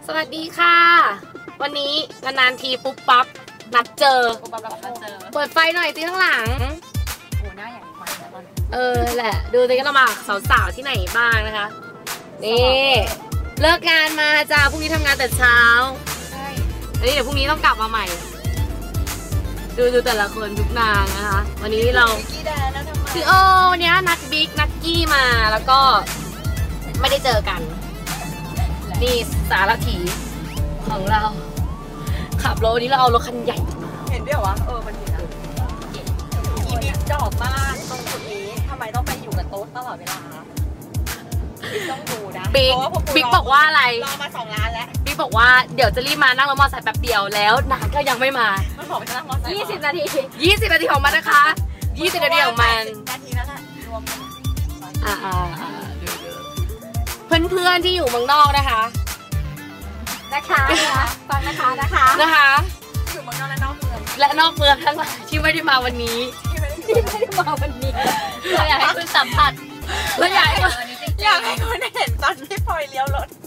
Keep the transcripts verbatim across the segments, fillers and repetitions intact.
สวัสดีค่ะวันนี้นานๆทีปุ๊บปั๊บนัดเจอเปิดไฟหน่อยสิข้างหลังโอ้หน้าใหญ่มากแล้วตอนนี้เออแหละดูสิก็เรามาสาวๆที่ไหนบ้างนะคะนี่เลิกงานมาจ้าพรุ่งนี้ทำงานแต่เช้าใช่อันนี้เดี๋ยวพรุ่งนี้ต้องกลับมาใหม่ดูดูแต่ละคนทุกนางนะคะวันนี้เราคือโอ้วันนี้นัดบิ๊กนัดกี้มาแล้วก็ไม่ได้เจอกันนี่สารถีของเราขับรถวันนี้เราเอารถคันใหญ่เห็นด้วยวะเออมันเห็นนะอีบิ๊กจอบมากตรงจุดนี้ทำไมต้องไปอยู่กับโต๊ะตลอดเวลาบิ๊กต้องดูนะบิ๊กบิ๊กบอกว่าอะไรรอมาสองล้านแล้วบิ๊กบอกว่าเดี๋ยวจะรีบมานั่งรถมอเตอร์ไซค์แป๊บเดียวแล้วนานก็ยังไม่มามันบอกจะนั่งมอเตอร์ไซค์ยี่สิบนาทียี่สิบนาทีของมันนะคะยี่สิบนาทีของมันนาทีนั้นแหละรวมอ่าอ่าเพื่อนเพื่อนที่อยู่เมืองนอกนะคะนะคะฟังนะคะนะคะนะคะอยู่เมืองนอกและนอกเมืองและนอกเมืองทั้งหลายที่ไม่ได้มาวันนี้ที่ไม่ได้มาวันนี้เราอยากให้คุณสัมผัสเราอยากให้อยากให้คุณเห็นตอนที่พลอยเลี้ยวรถ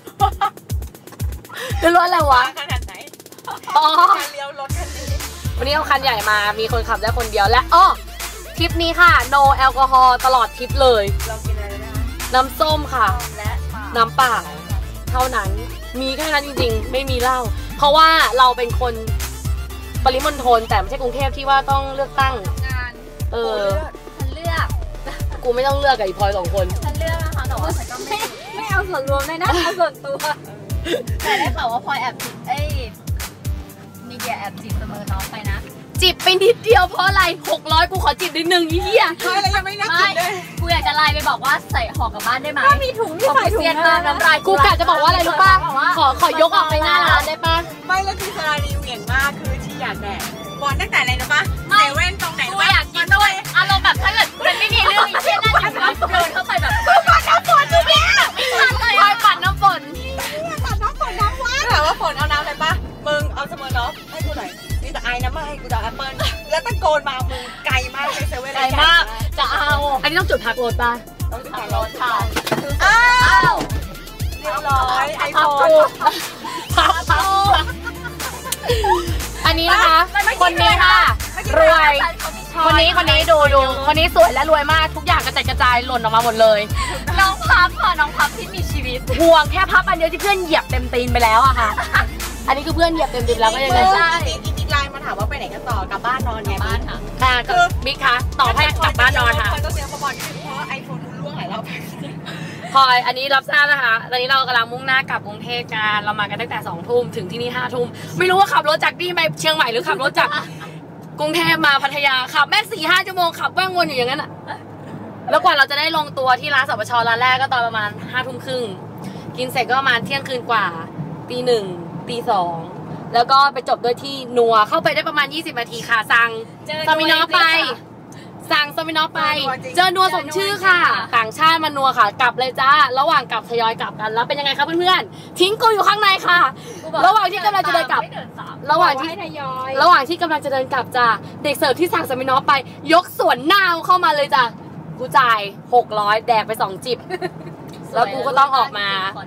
จะรถอะไรวะขนาดไหนอ๋อเลี้ยวรถคันนี้วันนี้เอาคันใหญ่มามีคนขับได้คนเดียวและอ้อทริปนี้ค่ะ no แอลกอฮอล์ตลอดทริปเลยเรากินอะไรนะน้ำส้มค่ะและน้ำเปล่าเท่านั้นมีแค่นั้นจริงๆไม่มีเหล้าเพราะว่าเราเป็นคนปริมณฑลแต่ไม่ใช่กรุงเทพที่ว่าต้องเลือกตั้งงานเออฉันเลือกกูไม่ต้องเลือกกับอีพลอยสองคนฉันเลือกนะคะแต่ว่าฉันก็ไม่ไม่เอาส่วนรวมเลยนะเอาส่วนตัวแต่ได้ข่าวว่าพลอยแอบจิบเอ้ยมีเดียแอบจิบเสมอน้องไปนะจิบไปนิดเดียวเพราะอะไรหกร้อยกูขอจิบนิดนึงยี่เหี้ยใช่แล้วยังไม่นักจิบเลยกูอยากจะไลน์ไปบอกว่าใส่ห่อกลับบ้านได้ไหมก็มีถุงที่ใส่ถุงน้ำลายกูกะจะบอกว่าอะไรรู้ป่ะขอขอยกออกไปหน้าร้านได้ป่ะไม่แล้วคือสารีเหวี่ยงมากคือที่อยากแดกบอลตั้งแต่อะไรรู้ป่ะเซเว่นตรงไหนกูอยากกินด้วยอารมณ์แบบถ้าเกิดมันไม่มีเรื่องอีเช่นนั่นอย่างนั้นเดินเข้าไปแบบกูปัดน้ำฝนดูแม่ไม่ทันเลยพลอยปัดน้ำฝนปัดน้ำฝนน้ำวัดถามว่าฝนเอาน้ำอะไรป่ะมึงเอาเสมอเนาะให้กูหน่อยมีแต่ไอ้น้ำมาให้กูจะแอปเปิ้ลแล้วตะโกนมามึงไกลมากเลยเซเว่นไกลมากจะเอาอันนี้ต้องจุดพักรถป่ะต้องจุดพักรถค่ะอ้าวเรียบร้อยไอโฟนพับพับอันนี้นะคะคนนี้ค่ะรวยคนนี้คนนี้ดูดูคนนี้สวยและรวยมากทุกอย่างกระจายกระจายหล่นออกมาหมดเลยน้องพับค่ะน้องพับที่มีชีวิตห่วงแค่พับอันเดียวที่เพื่อนเหยียบเต็มตีนไปแล้วอะค่ะอันนี้คือเพื่อนเหยียบเต็มตีนแล้วก็ยังไงใช่อีกอีกไลน์มาถามว่าไปไหนกันต่อกลับบ้านนอนไงบ้านค่ะค่ะคือบิ๊กคะตอบให้กลับบ้านนอนค่ะพลอยต้องเตรียมมาบอกนิดนึงเพราะไอโฟนล่วงหลายรอบพลอยอันนี้รับทราบนะคะตอนนี้เรากำลังมุ่งหน้ากลับกรุงเทพกันเรามากันตั้งแต่สองทุ่มถึงที่นี่ห้าทุ่มไม่รู้ว่าขับรถจากนี่ไปเชียงใหม่หรือขับรถจากกรุงเทพมาพัทยาขับแม่สี่ห้าชั่วโมงขับแว่งวนอยู่อย่างนั้นอะแล้วกว่าเราจะได้ลงตัวที่ร้านสปชร้านแรกก็ตอนประมาณห้าทุ่มครึ่งกินเสร็จก็ประมาณเที่ยงคืนกว่าตีหนึ่งตีสองแล้วก็ไปจบด้วยที่นัวเข้าไปได้ประมาณยี่สิบนาทีค่ะสั่งซามินอไปสั่งซามินอไปเจอนัวสมชื่อค่ะต่างชาติมานัวค่ะกลับเลยจ้าระหว่างกลับทยอยกลับกันแล้วเป็นยังไงคะเพื่อนๆทิ้งกูอยู่ข้างในค่ะระหว่างที่กำลังจะเดินกลับระหว่างที่ระหว่างที่กำลังจะเดินกลับจ้าเด็กเสิร์ฟที่สั่งซามินอไปยกสวนหน้าเข้ามาเลยจ้ะกูจ่ายหกร้อยแดกไปสองจิบแล้วกูก็ต้องออกมา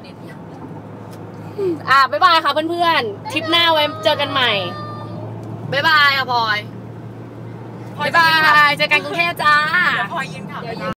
อ่ะบ๊ายบายค่ะเพื่อนๆทริปหน้าไว้เจอกันใหม่บ๊ายบายค่ะพลอยบ๊ายบายเจอกันกรุงเทพจ้าพลอยยืนขับ